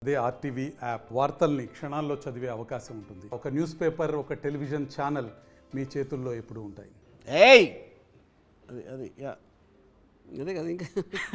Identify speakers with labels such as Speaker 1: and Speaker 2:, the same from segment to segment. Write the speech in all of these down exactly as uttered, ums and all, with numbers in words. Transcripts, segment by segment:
Speaker 1: అదే RTV app వార్తల్ని క్షణాల్లో చదివే అవకాశం ఉంటుంది. ఒక న్యూస్ పేపర్, ఒక టెలివిజన్ ఛానల్ మీ చేతుల్లో ఎప్పుడూ ఉంటాయి.
Speaker 2: ఏయ్ అది అది యా అదే కదా ఇంకా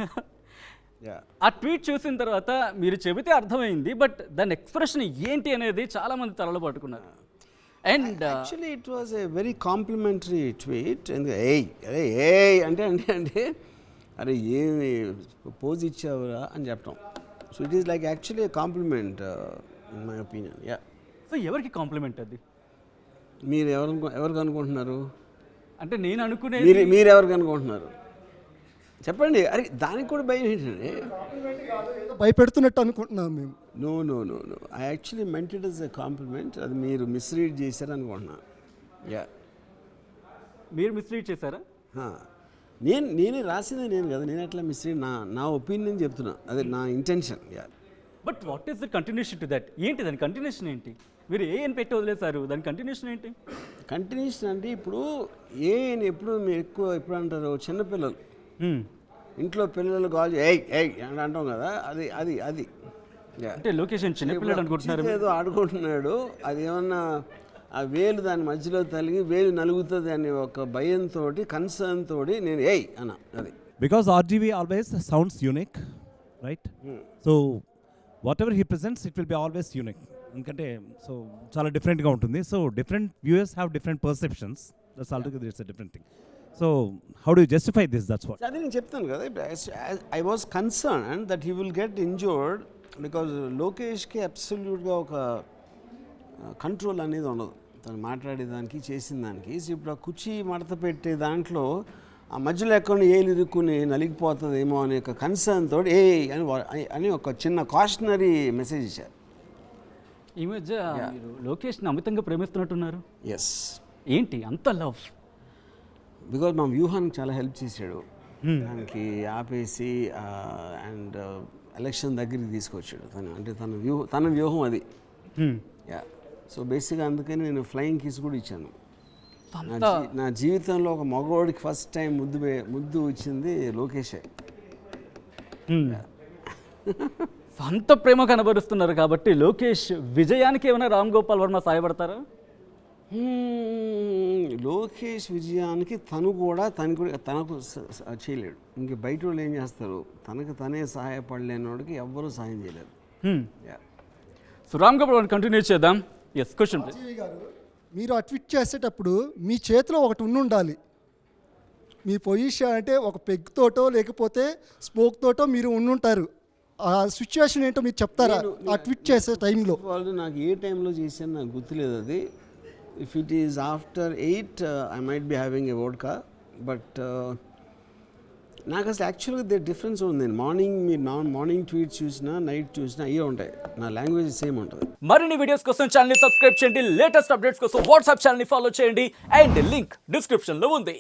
Speaker 2: యా
Speaker 3: ఆ ట్వీట్ చూసిన తర్వాత మీరు చెబితే అర్థమైంది, బట్ దాని ఎక్స్ప్రెషన్ ఏంటి అనేది చాలా మంది తలలు పట్టుకున్నారు. And
Speaker 2: actually it was a very complimentary tweet. ఎందుకంటే ఏయ్ అరే ఏయ్ అంటే అంటే అంటే అరే ఏమి పోజ్ ఇచ్చావురా అని చెప్పడం. So it is like actually a compliment in my opinion. Yeah
Speaker 3: so ఎవరికి కాంప్లిమెంట్ అది?
Speaker 2: మీరు ఎవరు ఎవరికి అనుకుంటున్నారు?
Speaker 3: అంటే నేను అనుకునే
Speaker 2: మీరు మీరు ఎవరికి అనుకుంటున్నారు చెప్పండి. అరే దానికి కూడా భయం ఏంటంటే
Speaker 4: భయపెడుతున్నట్టు అనుకుంటున్నాం మేము.
Speaker 2: No no no no I actually meant it is a compliment. అది మీరు మిస్రీడ్ చేశారు అనుకుంటున్నా. యా
Speaker 3: మీరు మిస్లీడ్ చేశారా?
Speaker 2: నేను నేనే రాసిందే నేను కదా, నేను ఎట్లా మిస్రీడ్ నా నా ఒపీనియన్ చెప్తున్నా, అదే నా intention. Yeah
Speaker 3: but what is the continuation to that? ఏంటి దాని కంటిన్యూషన్ ఏంటి? మీరు ఏ అని పెట్టి వదిలేశారు, దాని కంటిన్యూషన్ ఏంటి?
Speaker 2: కంటిన్యూషన్ అంటే ఇప్పుడు ఏ అని ఎప్పుడు మీరు ఎక్కువ ఎప్పుడు అంటారు, చిన్నపిల్లలు ఇంట్లో పిల్లలు కాల్ ఏయ్ ఏయ్ అని అంటాం కదా, అది అది అది
Speaker 3: అంటే లొకేషన్ చిన్నపిల్లలు అనుకుంటున్నారు.
Speaker 2: ఏదో ఆడుకుంటున్నాడు, అది ఏమన్నా ఆ వేలు దాని మధ్యలో తలిగి వేలు నలుగుతుంది అనే ఒక భయంతో కన్సర్న్ తోటి నేను ఏయ్ అన్న. అది
Speaker 5: because R G V always sounds unique, right? hmm. So whatever he presents, it will be always unique. ఎందుకంటే సో చాలా డిఫరెంట్గా ఉంటుంది. So different viewers have different perceptions. That's altogether it's a different thing. So how do you justify this? That's what
Speaker 2: అది నేను చెప్తాను కదా. I was concern that he will get injured because లోకేష్కి అబ్సల్యూట్గా ఒక కంట్రోల్ అనేది ఉండదు తను మాట్లాడేదానికి చేసిన దానికి. ఇప్పుడు ఆ కుర్చీ మడత పెట్టే దాంట్లో ఆ మధ్యలో ఎక్కడ ఏలు ఇరుక్కుని నలిగిపోతుందేమో అనే ఒక కన్సర్న్ తోటి ఏ అని అని ఒక చిన్న కాషనరీ మెసేజ్ ఇచ్చారు.
Speaker 3: ఈ మధ్య మీరు లోకేష్ని అమితంగా ప్రేమిస్తున్నట్టున్నారు.
Speaker 2: ఎస్.
Speaker 3: ఏంటి అంత లవ్?
Speaker 2: బికాజ్ మా వ్యూహానికి చాలా హెల్ప్ చేశాడు. దానికి ఆపేసి అండ్ ఎలక్షన్ దగ్గరికి తీసుకొచ్చాడు తను. అంటే తన వ్యూహం తన వ్యూహం అది. యా సో బేసిక్గా అందుకని నేను ఫ్లయింగ్ కిస్ కూడా ఇచ్చాను. నా జీవితంలో ఒక మగవాడికి ఫస్ట్ టైం ముద్దు ముద్దు ఇచ్చింది లోకేషే.
Speaker 3: సొంత ప్రేమ కనబరుస్తున్నారు కాబట్టి లోకేష్ విజయానికి ఏమైనా రామ్ గోపాల్ వర్మ సాయపడతారా?
Speaker 2: లోకేష్ విజయానికి తను కూడా తను కూడా తనకు చేయలేడు. ఇంక బయట వాళ్ళు ఏం చేస్తారు, తనకు తనే సహాయపడలేని వాడికి ఎవ్వరూ సహాయం చేయలేరు.
Speaker 3: సో రామ్ గోపాల్ వర్మ కంటిన్యూ చేద్దాం. ఎస్ క్వశ్చన్
Speaker 4: గారు, మీరు ఆ ట్వీట్ చేసేటప్పుడు మీ చేతిలో ఒకటి ఉండి ఉండాలి. మీ పొజిషన్ అంటే ఒక పెగ్ తోటో లేకపోతే స్మోక్ తోటో మీరు ఉండుంటారు. ఆ సిచ్యువేషన్ ఏంటో మీరు చెప్తారా ఆ ట్వీట్ చేసే టైంలో?
Speaker 2: వాళ్ళు నాకు ఏ టైంలో చేశాను నాకు గుర్తులేదు అది. If it is after eight I might be having a vodka. But నాకు అసలు యాక్చువల్గా దే డిఫరెన్స్ ఉంది. నేను మార్నింగ్ మీరు నా మార్నింగ్ ట్వీట్స్ చూసినా నైట్ చూసినా అయ్యే ఉంటాయి. నా లాంగ్వేజ్ సేమ్ ఉంటుంది.
Speaker 3: మరిన్ని వీడియోస్ కోసం ఛానల్ సబ్స్క్రైబ్ చేయండి. లేటెస్ట్ అప్డేట్స్ కోసం వాట్సాప్ ఛానల్ ఫాలో చేయండి. అండ్ లింక్ డిస్క్రిప్షన్లో ఉంది.